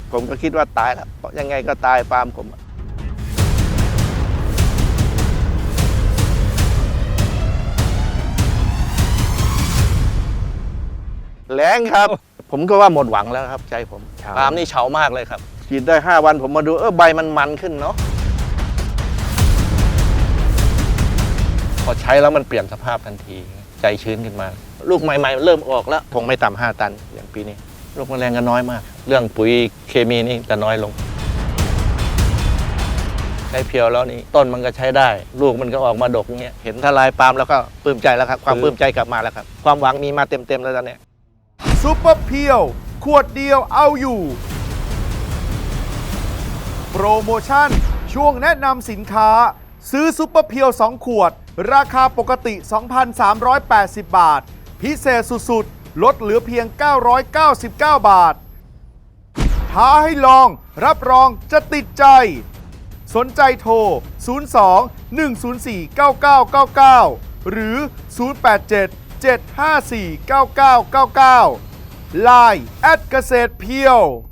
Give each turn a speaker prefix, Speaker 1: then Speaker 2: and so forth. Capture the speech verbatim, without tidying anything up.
Speaker 1: ผมก็คิดว่าตายแล้วยังไงก็ตายปาล์มผมแรงครับผมก็ว่าหมดหวังแล้วครับใจผมปาล์มนี่เฉามากเลยครับฉีดได้ห้าวันผมมาดูเออใบมันมันขึ้นเนาะพอใช้แล้วมันเปลี่ยนสภาพทันทีใจชื้นขึ้นมาลูกใหม่ๆเริ่มออกแล้วคงไม่ต่ำห้าตันอย่างปีนี้โรคแมลงก็น้อยมากเรื่องปุ๋ยเคมีนี่จะน้อยลงใช้เพียวแล้วนี่ต้นมันก็ใช้ได้ลูกมันก็ออกมาดกเงี้ยเห็นทลายปาล์มแล้วก็ปลื้มใจแล้วครับความปลื้มใจกลับมาแล้วครับความหวังมีมาเต็มๆแล้วตอนนี้
Speaker 2: ซุปเปอร์เพียวขวดเดียวเอาอยู่โปรโมชั่นช่วงแนะนำสินค้าซื้อซุปเปอร์เพียวสองขวดราคาปกติ สองพันสามร้อยแปดสิบ บาทพิเศษสุดๆลดเหลือเพียง เก้าร้อยเก้าสิบเก้า บาทท้าให้ลองรับรองจะติดใจสนใจโทร ศูนย์ สอง หนึ่ง ศูนย์ สี่ เก้า เก้า เก้า เก้า หรือ ศูนย์ แปด เจ็ด เจ็ด ห้า สี่ เก้า เก้า เก้า เก้า ไลน์ แอท เกษตรเพียว